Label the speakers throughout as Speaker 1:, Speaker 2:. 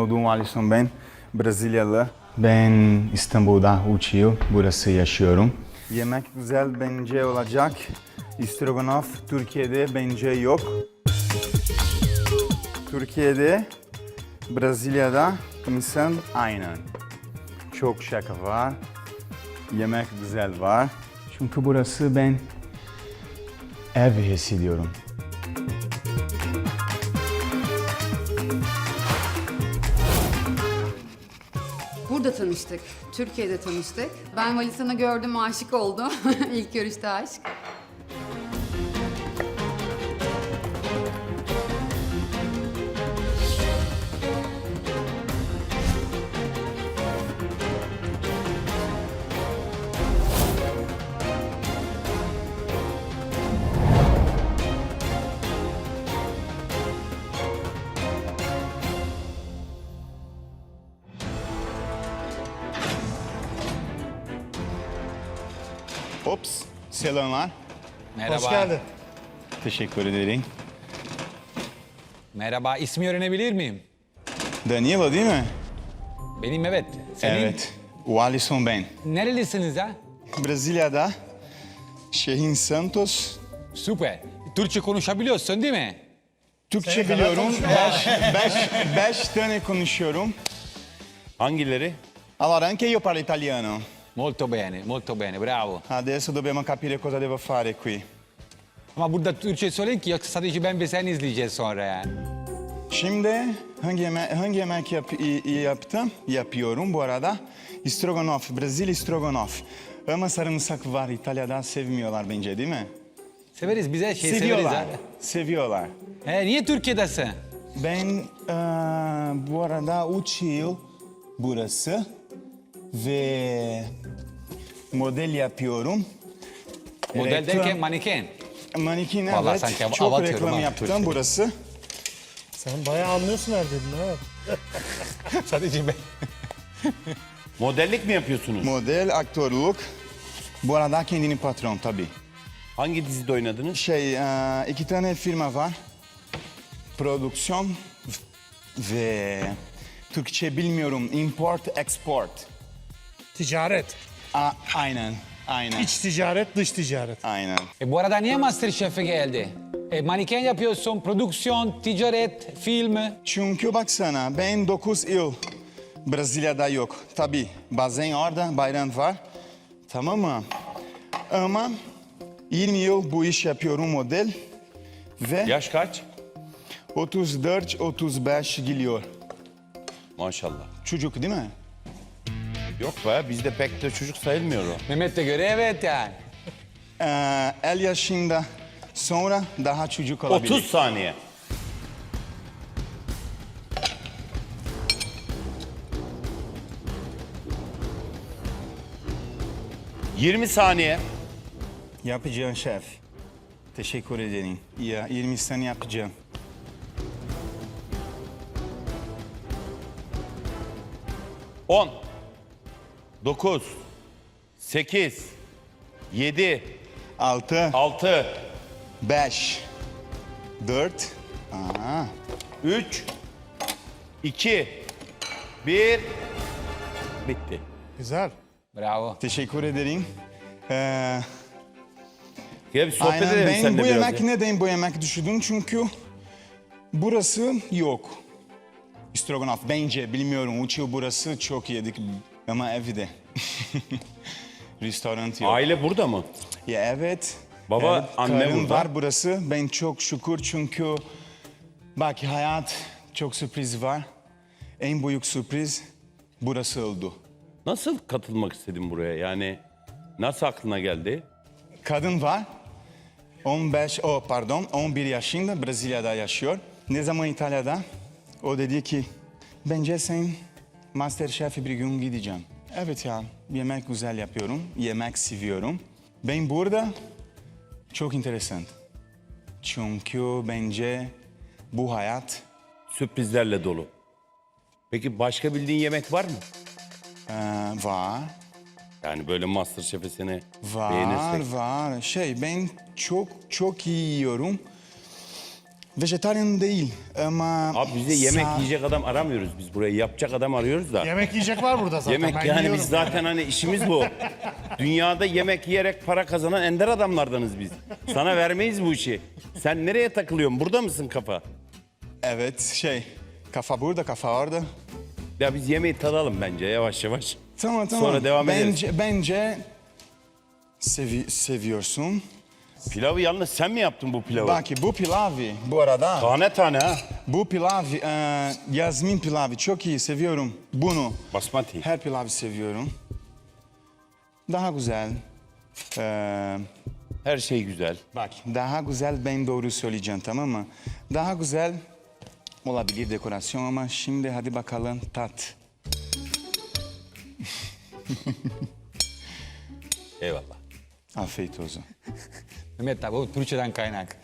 Speaker 1: adım Alisson ben. Brezilyalı. Ben İstanbul'da 3 yıl burası yaşıyorum. Yemek güzel bence olacak. İstroganoff Türkiye'de bence yok. Türkiye'de, Brezilya'da insan aynı. Çok şaka var. Yemek güzel var. Çünkü burası ben ev hissediyorum.
Speaker 2: Burada tanıştık. Türkiye'de tanıştık. Ben Valisan'ı gördüm, aşık oldum. İlk görüşte aşk.
Speaker 1: Ops, selamlar.
Speaker 3: Merhaba.
Speaker 4: Hoş geldin.
Speaker 1: Teşekkür ederim.
Speaker 3: Merhaba. İsmi öğrenebilir miyim?
Speaker 1: Danilo değil mi?
Speaker 3: Benim evet. Senin?
Speaker 1: Evet. Alisson ben.
Speaker 3: Nerelisiniz ha?
Speaker 1: Brezilya'da, şehrin Santos.
Speaker 3: Süper. Türkçe konuşabiliyorsun değil mi?
Speaker 1: Türkçe
Speaker 4: Senin kadar
Speaker 1: biliyorum.
Speaker 4: konuşmuyor.
Speaker 1: Beş tane konuşuyorum.
Speaker 5: Hangileri?
Speaker 1: Allora, anche io parlo italiano.
Speaker 3: Molto bene, bravo.
Speaker 1: Adesso dobbiamo capire cosa devo fare qui.
Speaker 3: Ama burada Türkçe söyleyin ki yoksa sadece ben ve sen izleyeceğiz sonra yani.
Speaker 1: Şimdi hangi yemek yapıyorum bu arada? Stroganoff, Brezilya stroganoff. Ama sarımsak var, İtalya'da sevmiyorlar bence değil mi?
Speaker 3: Severiz bize
Speaker 1: Seviyorlar,
Speaker 3: severiz abi.
Speaker 1: seviyorlar.
Speaker 3: Niye Türkiye'desin?
Speaker 1: Ben bu arada 3 yıl burası ve model yapıyorum.
Speaker 3: Model derken maneken.
Speaker 1: Manikin
Speaker 3: Vallahi
Speaker 1: evet,
Speaker 3: sanki
Speaker 1: çok
Speaker 3: avatıyorum
Speaker 1: reklam
Speaker 3: ha,
Speaker 1: yaptım
Speaker 3: Türkçe.
Speaker 1: burası.
Speaker 4: Sen bayağı anlıyorsun her dediğini ha.
Speaker 3: Sadece ben.
Speaker 5: Modellik mi yapıyorsunuz?
Speaker 1: Model, aktörlük. Bu arada kendini patron tabii.
Speaker 5: Hangi dizide oynadınız?
Speaker 1: İki tane firma var. Prodüksiyon ve Türkçe bilmiyorum. Import, export.
Speaker 4: Ticaret.
Speaker 1: Aynen, aynen.
Speaker 4: İç ticaret, dış ticaret.
Speaker 1: Aynen.
Speaker 3: Bu arada niye Masterchef'e geldi? Maneken yapıyorsun, prodüksiyon, ticaret, film.
Speaker 1: Çünkü baksana ben 9 yıl Brezilya'da yok. Tabii bazen orada bayram var. Tamam mı? Ama 20 yıl bu iş yapıyorum model. Ve
Speaker 5: Yaş kaç?
Speaker 1: 34-35 geliyor.
Speaker 5: Maşallah.
Speaker 1: Çocuk değil mi?
Speaker 5: Yok be bizde pek de çocuk sayılmıyor o.
Speaker 3: Mehmet'e göre evet yani.
Speaker 1: 50 yaşında sonra daha çocuk olabilir.
Speaker 5: 30 saniye. ...20 saniye.
Speaker 1: Yapacağım şef. Teşekkür ederim. Ya 20 sene yapacağım.
Speaker 5: On, 9, 8, 7,
Speaker 1: 6,
Speaker 5: 6,
Speaker 1: 5, 4,
Speaker 5: 3, 2, 1... Bitti.
Speaker 4: Güzel.
Speaker 3: Bravo.
Speaker 1: teşekkür ederim.
Speaker 5: Gel bir sohbet
Speaker 1: Aynen
Speaker 5: edelim
Speaker 1: ben
Speaker 5: seninle
Speaker 1: bu
Speaker 5: biraz.
Speaker 1: yemek neden bu yemek düşündüm çünkü burası yok. Stroganoff bence bilmiyorum 3 yıl burası çok yedik ama evde. Restoran yok.
Speaker 5: Aile burada mı?
Speaker 1: Ya evet.
Speaker 5: Baba,
Speaker 1: evet,
Speaker 5: anne
Speaker 1: karım
Speaker 5: burada.
Speaker 1: var burası. Ben çok şükür çünkü bak hayat çok sürpriz var. En büyük sürpriz burası oldu.
Speaker 5: Nasıl katılmak istedin buraya? Yani nasıl aklına geldi?
Speaker 1: Kadın var. 11 yaşında Brezilya'da yaşıyor. Ne zaman İtalya'da? O dedi ki bence sen Masterchef'e bir gün gideceğim. Evet ya yemek güzel yapıyorum. Yemek seviyorum. Ben burada çok enteresan. Çünkü bence bu hayat
Speaker 5: Sürprizlerle dolu. Peki başka bildiğin yemek var mı?
Speaker 1: var.
Speaker 5: Yani böyle Masterchef'e seni
Speaker 1: Var,
Speaker 5: beğenirsek.
Speaker 1: var. Ben çok iyi yiyorum. Vejetaryen değil ama...
Speaker 5: Abi biz de yemek yiyecek adam aramıyoruz. Biz burayı yapacak adam arıyoruz da.
Speaker 4: Yemek yiyecek var burada zaten.
Speaker 5: Yemek
Speaker 4: ben
Speaker 5: yani
Speaker 4: yiyorum.
Speaker 5: biz zaten hani işimiz bu. Dünyada yemek yiyerek para kazanan ender adamlardanız biz. Sana vermeyiz bu işi. Sen nereye takılıyorsun? Burada mısın kafa?
Speaker 1: Evet, kafa burada, kafa orada.
Speaker 5: Ya biz yemeği tadalım bence yavaş yavaş.
Speaker 1: Tamam.
Speaker 5: Sonra devam ederiz.
Speaker 1: Bence seviyorsun.
Speaker 5: Pilavı yalnız sen mi yaptın bu pilavı?
Speaker 1: Bak bu pilavı bu arada.
Speaker 5: Tane tane ha.
Speaker 1: Bu pilavı Yasmin pilavı çok iyi seviyorum bunu.
Speaker 5: Basmati.
Speaker 1: Her pilavı seviyorum. Daha güzel.
Speaker 5: Her şey güzel.
Speaker 1: Bak daha güzel ben doğru söyleyeceğim tamam mı? Daha güzel olabilir dekorasyon ama şimdi hadi bakalım tat.
Speaker 5: Eyvallah.
Speaker 1: Afiyet olsun.
Speaker 3: Mehmet abi bu Türkçeden kaynak.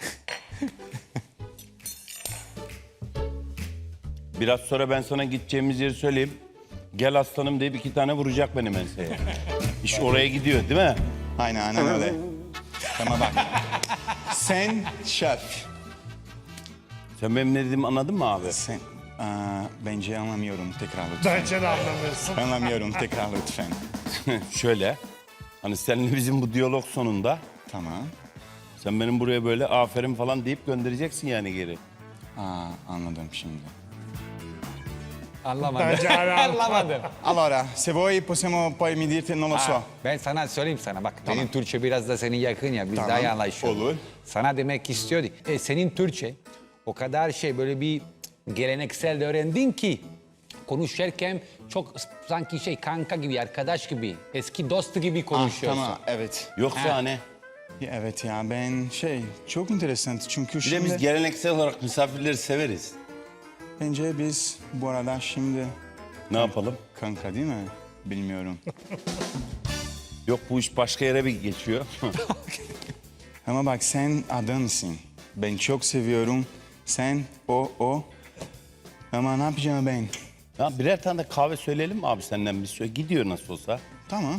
Speaker 5: Biraz sonra ben sana gideceğimiz yeri söyleyeyim. Gel aslanım deyip 2 tane vuracak benim enseye. İş oraya gidiyor değil mi?
Speaker 1: Aynen öyle. Ama bak sen şef.
Speaker 5: Sen benim ne dediğimi anladın mı abi?
Speaker 1: Sen bence anlamıyorum tekrar lütfen.
Speaker 4: Bence de anlamıyorsun.
Speaker 1: Anlamıyorum tekrar lütfen.
Speaker 5: Şöyle. Hani seninle bizim bu diyalog sonunda
Speaker 1: Tamam.
Speaker 5: sen benim buraya böyle aferin falan deyip göndereceksin yani geri.
Speaker 1: Anladım şimdi.
Speaker 3: Anlamadım.
Speaker 4: Bence hala
Speaker 3: Anlamadım.
Speaker 1: Allora, se vuoi possiamo poi mi dirti, non lo so.
Speaker 3: Ben sana söyleyeyim sana bak benim Türkçe biraz da senin yakın ya biz
Speaker 1: Tamam,
Speaker 3: daha iyi anlaşıyoruz.
Speaker 1: olur.
Speaker 3: Sana demek istiyordu. Senin Türkçe o kadar böyle bir geleneksel de öğrendin ki konuşurken çok sanki kanka gibi arkadaş gibi eski dost gibi konuşuyorsun.
Speaker 1: Tamam, evet.
Speaker 5: Yoksa hani
Speaker 1: Evet ya ben çok enteresan çünkü
Speaker 5: bir de
Speaker 1: şimdi
Speaker 5: biz geleneksel olarak misafirleri severiz.
Speaker 1: bence biz bu arada şimdi
Speaker 5: Ne yapalım?
Speaker 1: kanka değil mi? Bilmiyorum.
Speaker 5: Yok bu iş başka yere bir geçiyor.
Speaker 1: Ama bak sen adamsın. Ben çok seviyorum. Sen o. Ama ne yapacağım ben?
Speaker 5: Ya birer tane de kahve söyleyelim mi abi senden bir söyle. Gidiyor nasıl olsa.
Speaker 1: Tamam.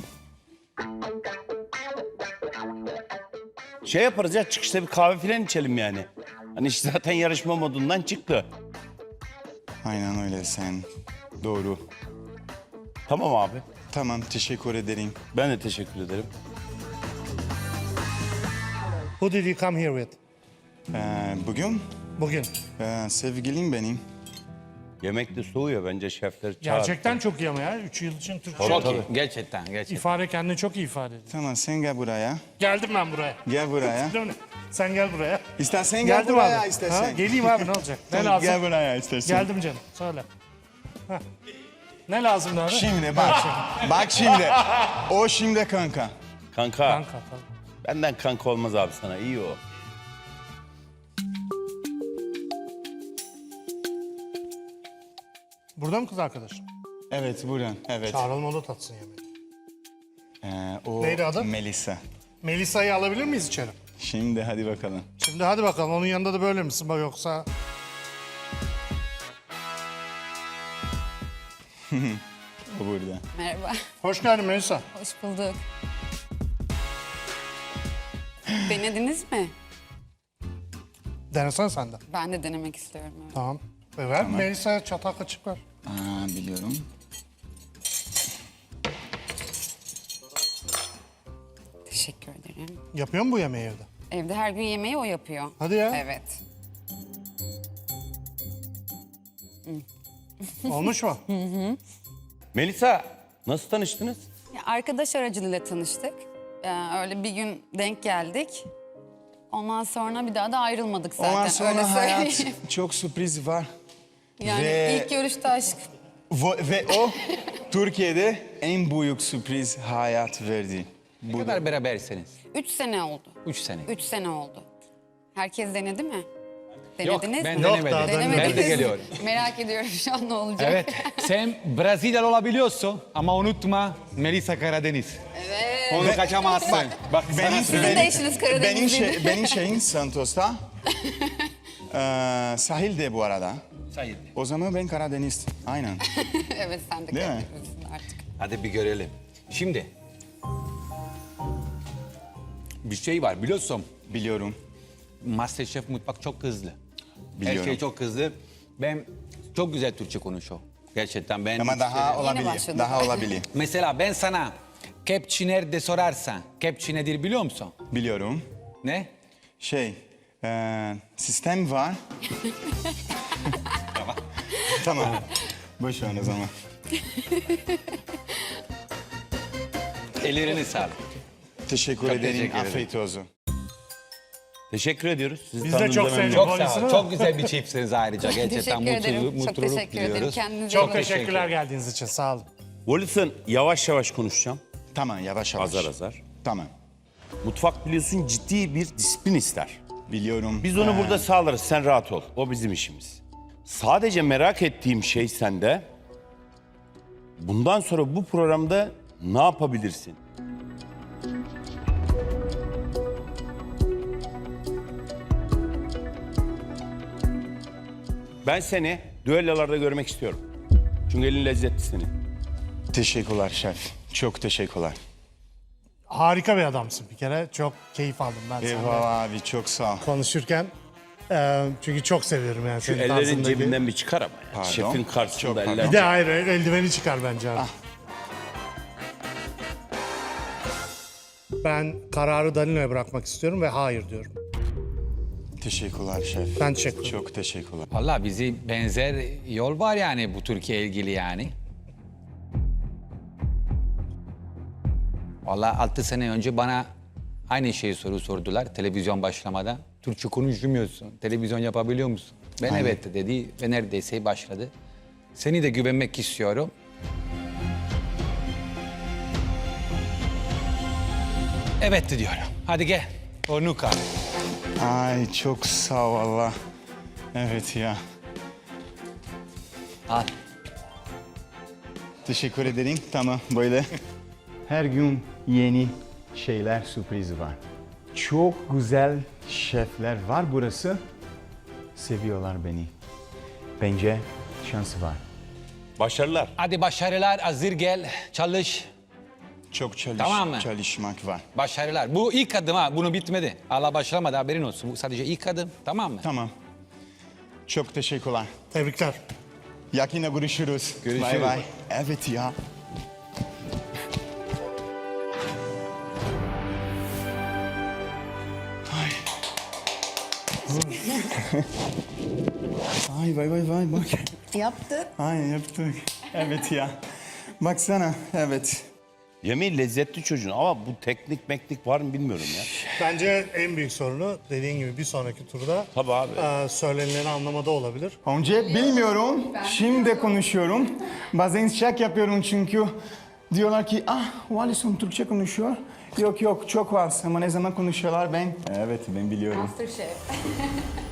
Speaker 5: Şey yaparız ya çıkışta bir kahve filan içelim yani. Hani iş zaten yarışma modundan çıktı.
Speaker 1: Aynen öyle sen. Doğru.
Speaker 5: Tamam abi.
Speaker 1: Tamam teşekkür ederim.
Speaker 5: Ben de teşekkür ederim.
Speaker 4: Who did you come here with?
Speaker 1: Bugün
Speaker 4: Bugün.
Speaker 1: sevgilim benim.
Speaker 5: Yemek de soğuyor bence şefler çağır.
Speaker 4: Gerçekten çok iyi ama ya. 3 yıl için Türkçe.
Speaker 3: Çok iyi. Gerçekten.
Speaker 4: İfade kendini çok iyi ifade ediyor.
Speaker 1: Tamam sen gel buraya.
Speaker 4: Geldim ben buraya.
Speaker 1: Gel buraya.
Speaker 4: Değil mi? Sen gel buraya.
Speaker 1: İstersen gel
Speaker 4: Geldim
Speaker 1: buraya
Speaker 4: abi.
Speaker 1: istersen.
Speaker 4: Ha, geleyim abi ne olacak? Ne
Speaker 1: Tamam,
Speaker 4: lazım?
Speaker 1: Gel buraya istersen.
Speaker 4: Geldim canım. Söyle. Heh. Ne lazım abi?
Speaker 1: Şimdi bak. Bak şimdi. O şimdi kanka.
Speaker 5: Kanka,
Speaker 4: Kanka tabii.
Speaker 5: benden kanka olmaz abi sana iyi o.
Speaker 4: Burada mı kız arkadaş?
Speaker 1: Evet buradan. Evet.
Speaker 4: Çağıralım o da tatsın yemeği.
Speaker 1: O
Speaker 4: Neydi adı?
Speaker 1: Melisa.
Speaker 4: Melisa'yı alabilir miyiz içeri?
Speaker 1: Şimdi hadi bakalım.
Speaker 4: Şimdi hadi bakalım onun yanında da böyle misin bak yoksa...
Speaker 1: O burada.
Speaker 2: Merhaba,
Speaker 4: Hoş geldin Melisa.
Speaker 2: hoş bulduk. Denediniz mi?
Speaker 4: Denesene sen de.
Speaker 2: Ben de denemek istiyorum. Evet.
Speaker 4: Tamam. Ver Melisa'ya çatal kaçık ver.
Speaker 1: Biliyorum.
Speaker 2: Teşekkür ederim.
Speaker 4: Yapıyor mu bu yemeği evde?
Speaker 2: Evde her gün yemeği o yapıyor.
Speaker 4: Hadi ya.
Speaker 2: Evet.
Speaker 4: Olmuş mu?
Speaker 5: Melisa nasıl tanıştınız?
Speaker 2: Ya, arkadaş aracılığıyla tanıştık. Öyle bir gün denk geldik. Ondan sonra bir daha da ayrılmadık zaten.
Speaker 1: Ondan
Speaker 2: öyle
Speaker 1: sonra hayat
Speaker 2: söyleyeyim.
Speaker 1: çok sürpriz var.
Speaker 2: Yani
Speaker 1: Ve-
Speaker 2: ilk görüşte aşk.
Speaker 1: Ve o Türkiye'de en büyük sürpriz hayat verdi.
Speaker 3: Ne kadar berabersiniz?
Speaker 2: 3 sene oldu.
Speaker 3: 3 sene.
Speaker 2: 3 sene oldu. Herkes denedi mi?
Speaker 3: Yok
Speaker 2: Denediniz
Speaker 3: ben
Speaker 2: mi?
Speaker 4: Yok,
Speaker 3: denemedim.
Speaker 4: daha
Speaker 2: Denemediniz.
Speaker 3: Ben de geliyorum.
Speaker 2: Merak ediyorum şu an ne olacak.
Speaker 3: Evet. Sen Brezilyalı olabiliyorsun ama unutma Melisa Karadeniz. Evet. Onu kaçamazsın. Bak
Speaker 2: Sizin de eşiniz Karadenizliydi.
Speaker 1: benim şeyim Santos'ta. Sahilde bu arada.
Speaker 3: Sayın.
Speaker 1: O zaman ben Karadeniz. Aynen.
Speaker 2: Evet sen de
Speaker 1: Değil mi?
Speaker 2: Karadenizlisin artık.
Speaker 3: Hadi bir görelim. Şimdi bir şey var biliyorsun.
Speaker 1: Biliyorum.
Speaker 3: Masterchef mutfak çok hızlı.
Speaker 1: Biliyorum.
Speaker 3: şey çok hızlı. Ben çok güzel Türkçe konuşuyor. Gerçekten ben...
Speaker 1: Ama daha olabilir.
Speaker 2: başladı.
Speaker 1: Daha olabilir.
Speaker 3: Mesela ben sana kepçe nerede sorarsan, kepçe nedir biliyor musun?
Speaker 1: Biliyorum.
Speaker 3: Ne?
Speaker 1: Sistem var. Tamam. Boş ver o zaman.
Speaker 3: Ellerini sağlık.
Speaker 1: Teşekkür
Speaker 3: Çok
Speaker 1: ederim.
Speaker 3: teşekkür ederim.
Speaker 1: Afiyet olsun.
Speaker 5: Teşekkür ediyoruz. Sizi
Speaker 4: Biz de
Speaker 5: tanıdığımıza
Speaker 4: çok
Speaker 5: memnun
Speaker 4: sevdik.
Speaker 5: oldum.
Speaker 3: Çok sağ
Speaker 4: Polisini
Speaker 3: ol.
Speaker 4: mi?
Speaker 3: Çok güzel bir çiftsiniz ayrıca. Gerçekten
Speaker 2: Teşekkür ederim. Çok
Speaker 3: mutluluk
Speaker 2: teşekkür ederim.
Speaker 3: diliyoruz.
Speaker 2: Kendinize
Speaker 4: Çok
Speaker 2: iyi bakın.
Speaker 4: teşekkürler geldiğiniz için. Sağ olun.
Speaker 5: Wallison, yavaş yavaş konuşacağım.
Speaker 1: Tamam, yavaş yavaş.
Speaker 5: Azar azar.
Speaker 1: Tamam.
Speaker 5: Mutfak biliyorsun ciddi bir disiplin ister.
Speaker 1: Biliyorum.
Speaker 5: Biz onu burada sağlarız. Sen rahat ol. O bizim işimiz. Sadece merak ettiğim şey sende. Bundan sonra bu programda ne yapabilirsin? Ben seni düellolarda görmek istiyorum. Çünkü elin lezzetli senin.
Speaker 1: Teşekkürler şef. Çok teşekkürler.
Speaker 4: Harika bir adamsın bir kere. Çok keyif aldım ben senden
Speaker 1: Eyvallah abi, çok sağ ol.
Speaker 4: konuşurken. Çünkü çok seviyorum yani
Speaker 5: Şu
Speaker 4: senin
Speaker 5: ellerin
Speaker 4: tarzındaki.
Speaker 5: cebinden bir çıkar ama. Ya.
Speaker 1: Pardon.
Speaker 5: Şefin
Speaker 1: Çok
Speaker 5: karşısında
Speaker 1: pardon.
Speaker 5: eller.
Speaker 4: Bir de hayır eldiveni çıkar bence abi. Ben kararı Danino'ya bırakmak istiyorum ve hayır diyorum.
Speaker 1: Teşekkürler şef.
Speaker 4: Ben teşekkür ederim.
Speaker 1: Çok teşekkürler.
Speaker 3: Valla bizi benzer yol var yani bu Türkiye ilgili yani. Valla 6 sene önce bana aynı şeyi sordular televizyon başlamadan. Türkçe konuşmuyorsun, televizyon yapabiliyor musun? Ben
Speaker 1: Aynen.
Speaker 3: evet dedi ve neredeyse başladı. Seni de güvenmek istiyorum. Evet diyorum. Hadi gel. Onu kal.
Speaker 1: Ay çok sağ ol valla. Evet ya.
Speaker 3: Al.
Speaker 1: Teşekkür ederim. Tamam böyle. Her gün yeni şeyler, sürpriz var. Çok güzel şefler var burası. Seviyorlar beni. Bence şansı var.
Speaker 5: Başarılar.
Speaker 3: Hadi başarılar, hazır gel, çalış.
Speaker 1: Çok
Speaker 3: Tamam mı?
Speaker 1: çalışmak var.
Speaker 3: Başarılar. Bu ilk adım ha, bunu bitmedi. Allah başlamadı, haberin olsun. Bu sadece ilk adım, tamam mı?
Speaker 1: Tamam. Çok teşekkürler.
Speaker 4: Tebrikler.
Speaker 1: Yakında görüşürüz.
Speaker 3: Görüşürüz.
Speaker 1: Bay bay. Evet ya. Ay. Ay vay bak.
Speaker 2: Yaptı.
Speaker 1: Ay yaptık. Evet ya. Baksana evet.
Speaker 5: Yemeği lezzetli çocuğun ama bu teknik meknik var mı bilmiyorum ya.
Speaker 4: Bence en büyük sorunu dediğin gibi bir sonraki turda
Speaker 5: Tabii abi.
Speaker 4: söylenileni anlamada olabilir.
Speaker 1: Önce bilmiyorum. Şimdi konuşuyorum. Bazen şak yapıyorum çünkü diyorlar ki Wallison Türkçe konuşuyor. Yok çok var ama ne zaman konuşuyorlar ben? Evet ben biliyorum.
Speaker 2: Masterchef.